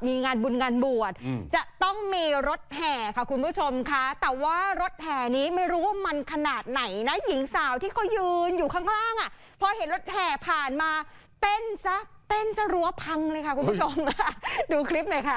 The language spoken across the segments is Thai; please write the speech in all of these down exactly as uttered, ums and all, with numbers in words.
มีงานบุญงานบวชจะต้องมีรถแห่ค่ะคุณผู้ชมคะแต่ว่ารถแห่นี้ไม่รู้ว่ามันขนาดไหนนะหญิงสาวที่เขายืนอยู่ข้างล่างอ่ะพอเห็นรถแห่ผ่านมาเต้นซะเต้นซะรั้วพังเลยค่ะคุณผู้ชมดูคลิปหน่อยค่ะ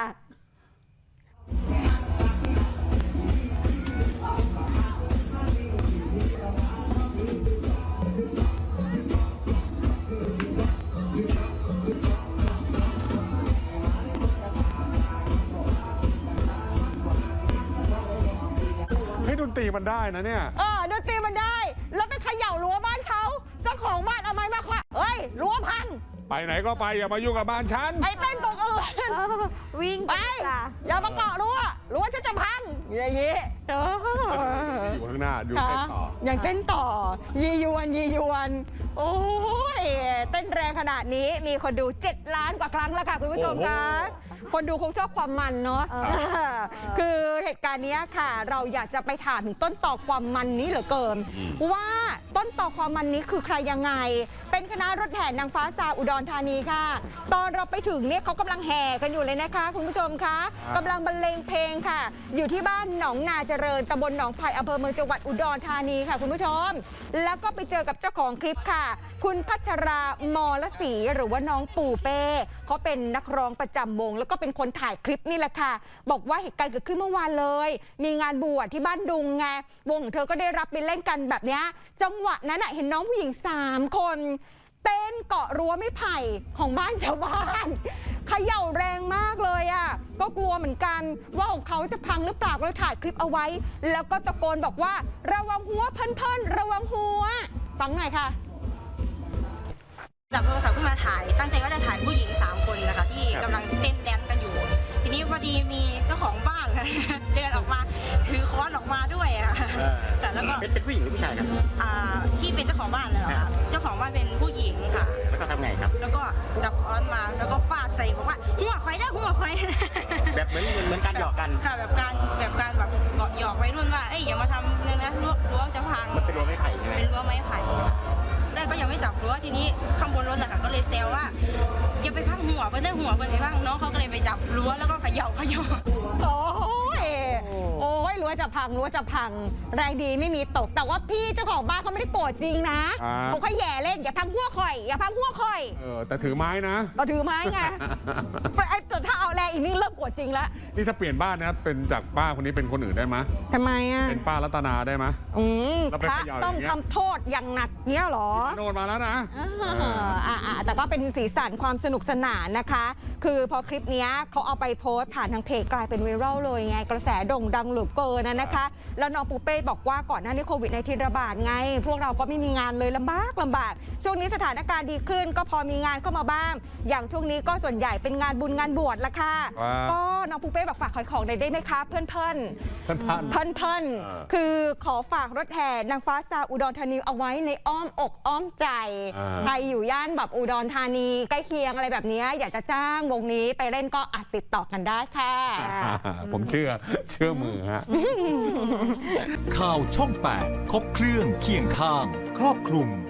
ดนตรีมันได้นะเนี่ยเออดนตรีมันได้แล้วไปเขย่ารั้วบ้านเขาเจ้าของบ้านเอาไม้มาคว้าเฮ้ยรั้วพังไปไหนก็ไปอย่ามายุ่งกับบ้านฉันไปเต้นตรงอื่นวิ่งไปอย่ามาเกาะรั้วรั้วฉันจะพังอย่างนี้อยู่ข้างหน้าดูเต้นต่อยังเต้นต่อยียวนยียวนโอ้ยเต้นแรงขนาดนี้มีคนดูเจ็ดล้านกว่าครั้งแล้วค่ะคุณผู้ชมคะคนดูคงชอบความมันเนาะคือเหตุการณ์นี้ค่ะเราอยากจะไปถามถึงต้นต่อความมันนี้เหลือเกินว่าต้นต่อความมันนี้คือใครยังไงเป็นคณะรถแห่นางฟ้าซาอุดรธานีค่ะตอนเราไปถึงเนี่ยเขากำลังแห่กันอยู่เลยนะคะคุณผู้ชมคะกำลังบรรเลงเพลงค่ะอยู่ที่บ้านหนองนาเจริญตำบลหนองไผ่อำเภอเมืองจังหวัดอุดรธานีค่ะคุณผู้ชมแล้วก็ไปเจอกับเจ้าของคลิปค่ะคุณพัชรามลศรีหรือว่าน้องปู่เป้เขาเป็นนักร้องประจำวงแล้วก็เป็นคนถ่ายคลิปนี่แหละค่ะบอกว่าเหตุการณ์เกิดขึ้นเมื่อวานเลยมีงานบวชที่บ้านดุงไงวงของเธอก็ได้รับไปเล่นกันแบบนี้จังหวะนั้นเห็นน้องผู้หญิงสามคนเต้นเกาะรั้วไม้ไผ่ของบ้านชาวบ้านเขย่าแรงมากเลยอ่ะก็กลัวเหมือนกันว่าของเขาจะพังหรือเปล่าก็เลยถ่ายคลิปเอาไว้แล้วก็ตะโกนบอกว่าระวังหัวเพิ่นๆระวังหัวฟังหน่อยค่ะจับโทรศัพท์ขึ้นมาถ่ายตั้งใจว่าจะถ่ายผู้หญิงสามคนนะคะที่กำลังเต้นแดนกันอยู่ทีนี้พอดีมีเจ้าของบ้านเดินออกมาถือค้อนออกมาด้วยค่ะแล้วก็เป็นผู้หญิงหรือผู้ชายครับที่เป็นเจ้าของบ้านเลยเหรอคะเจ้าของบ้านเป็นผู้หญิงค่ะแล้วก็ทำไงครับแล้วก็จับค้อนมาแล้วก็ฟาดใส่บอกว่าหัวควายได้หัวควายแบบเหมือนเหมือนการหยอกกันค่ะแบบการแบบการแบบหยอกไว้รุ่นว่าเอ้ยอย่ามาทำเนี่ยนะรั้วจะพังมันเป็นรั้วไม้ไผ่ใช่ไหมเป็นรั้วไม้ไผ่ได้ก็ยังไม่จับรั้วทีนี้ข้างบนรถนะคะก็เลยแซวว่าอย่าไปพังหัวเพื่อนได้หัวเพื่อนไปพังน้องเขาก็เลยไปจับรั้วแล้วก็เขย่าเขย่าโอ้ยโอ้ยรั้วจะพังรั้วจะพังแรงดีไม่มีตกแต่ว่าพี่เจ้าของบ้านเขาไม่ได้โกรธจริงนะเขาแค่แย่เล่นอย่าพังหัวข่อยอย่าพังหัวข่อยเออแต่ถือไม้นะเราถือไม้ไงไอ้ถ้าเอาแรงอีกนี่เริ่มโกรธจริงแล้วนี่ถ้าเปลี่ยนบ้านนะเป็นจากป้าคนนี้เป็นคนอื่นได้ไหมทำไมอ่ะเป็นป้ารัตนาได้ไหมอืมพระต้องทำโทษอย่างหนักเนี้ยหรอโดนมาแล้วนะอ่าแต่ก็เป็นสีสันความสนุกสนานนะคะคือพอคลิปนี้เขาเอาไปโพสต์ผ่านทางเพจกลายเป็นไวรัลเลยไงกระแสโด่งดังเหลือเกินนะนะคะแล้วน้องปูเป้บอกว่าก่อนหน้านี้โควิดในทีระบาดไงพวกเราก็ไม่มีงานเลยลำบากลำบากช่วงนี้สถานการณ์ดีขึ้นก็พอมีงานเข้ามาบ้างอย่างช่วงนี้ก็ส่วนใหญ่เป็นงานบุญงานบวชละค่ะก็น้องปูเป้บอกฝากขายของได้ไหมคะเพื่อนเพื่อนเพื่อนเพื่อนคือขอฝากรถแห่นางฟ้าซาอุดรธานีเอาไว้ในอ้อมอกอ้อมใจใครอยู่ย่านแบบอุดรธานีใกล้เคียงอะไรแบบนี้อยากจะจ้างวงนี้ไปเล่นก็อาจติดต่อกันได้ค่ะผมเชื่อเชื่อมือฮะข่าวช่องแปดครบเครื่องเคียงข้างครอบคลุม